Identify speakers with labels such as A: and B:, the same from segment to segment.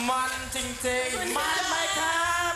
A: มันจริงๆมันไหมครับ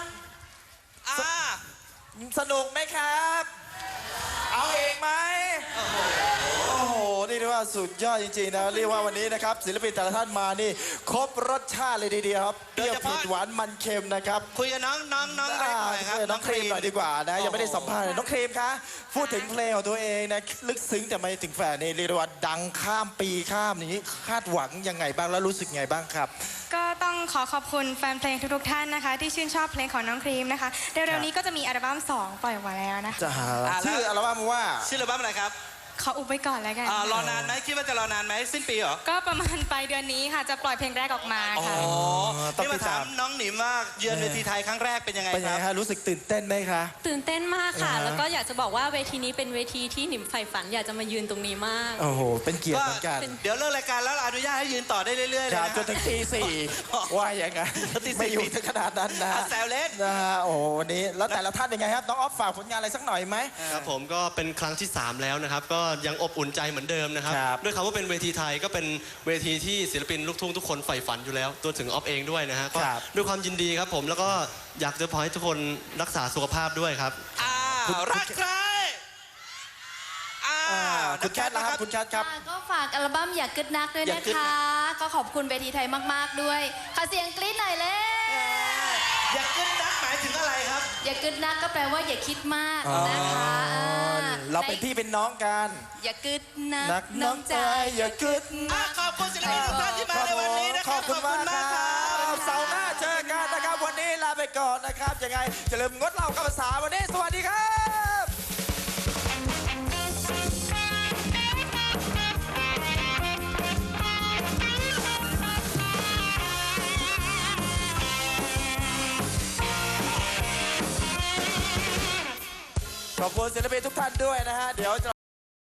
A: สนุกไหมครับ เอาเองไหมโอ้โหนี่เรียกว่าสุดยอดจริงๆนะเรียกว่าวันนี้นะครับศิลปินแต่ละท่านมานี่ครบรสชาติเลยทีเดียวครับเปรี้ยวเผ็ดหวานมันเค็มนะครับ
B: คุยกับน้องเล็กหน่อยครับ
A: น้องครีมหน่อยดีกว่านะยังไม่ได้สัมภาษณ์เลยน้องครีมคะพูดถึงเพลงของตัวเองนะลึกซึ้งแต่ไม่ถึงแฟนนี่เรียกว่าดังข้ามปีข้ามนี้คาดหวังยังไงบ้างแล้วรู้สึกไงบ้างครับ
C: ก็ต้องขอบคุณแฟนเพลงทุกๆท่านนะคะที่ชื่นชอบเพลงของน้องครีมนะคะเร็วๆนี้ก็จะมีอัลบั้ม2ปล่อยออกมาแล้วนะคะ
A: ชื่ออัลบั้มว่า
B: ชื่ออัลบั้มอะไรครับ
C: ขออุบไว้ก่อนแล้วกัน
B: รอนานไหมคิดว่าจะรอนานไหมสิ้นปีเหรอ
C: ก็ประมาณปลายเดือนนี้ค่ะจะปล่อยเพลงแรกออกมาค่ะ
B: ที่มาถามน้องหนิมว่าเยือนเวทีไทยครั้งแรกเป็นยังไงครับ
A: รู้สึกตื่นเต้นไหมคะ
D: ตื่นเต้นมากค่ะแล้วก็อยากจะบอกว่าเวทีนี้เป็นเวทีที่หนิมใฝ่ฝันอยากจะมายืนตรงนี้มาก
A: โอ้โหเป็นเกียรติเหมือนกัน
B: เดี๋ยวเลิกรายการแล้วอนุญาตให้ยืนต่อได้เรื่อยๆเลย
A: จนถึงตี 4ว่าอย่างไงไม่อยู่ถึงขนาดนั้นนะ
B: แซวเล่น
A: นะฮะโอ้วันนี้แล้วแต่ละท่านยังไงครับน้องออฟฝากผลงานอะไรสักหน่อยไหม
E: ครับผมก็เป็นครั้งที่3แล้วนะครับก็ยังอบอุ่นใจเหมือนเดิมนะครับด้วยคำว่าเป็นเวทีไทยก็เป็นเวทีที่ศิลปินลูกทุ่งทุกคนใฝ่ฝันอยู่แล้วตัวถึงออฟเองด้วยนะฮะก็ด้วยความยินดีครับผมแล้วก็อยากจะขอให้ทุกคนรักษาสุขภาพด้วยครับ
B: รักใคร
A: คุณแคทนะครับคุณแคทครับ
D: ก็ฝากอัลบั้มอย่ากึดนักด้วยนะคะก็ขอบคุณเวทีไทยมากๆด้วยขอเสียงกรี๊ดหน่อยเลย
B: อย่ากึดนักหมายถึงอะไรครับ
D: อย่ากึดนักก็แปลว่าอย่าคิดมากนะคะ
A: เราเป็นพี่เป็นน้องกัน
D: อย่ากึดนัก
A: น้องใจอย่ากึด
B: ขอบคุณศิลปินทุกท่านที่มาในวันนี้นะ
A: ขอบคุณมากครับเสาร์หน้าเจอกันนะครับวันนี้ลาไปก่อนนะครับยังไงอย่าลืมงดเหล้ากับภาษาวันนี้สวัสดีครับขอบคุณศิลปินทุกท่านด้วยนะฮะเดี๋ยว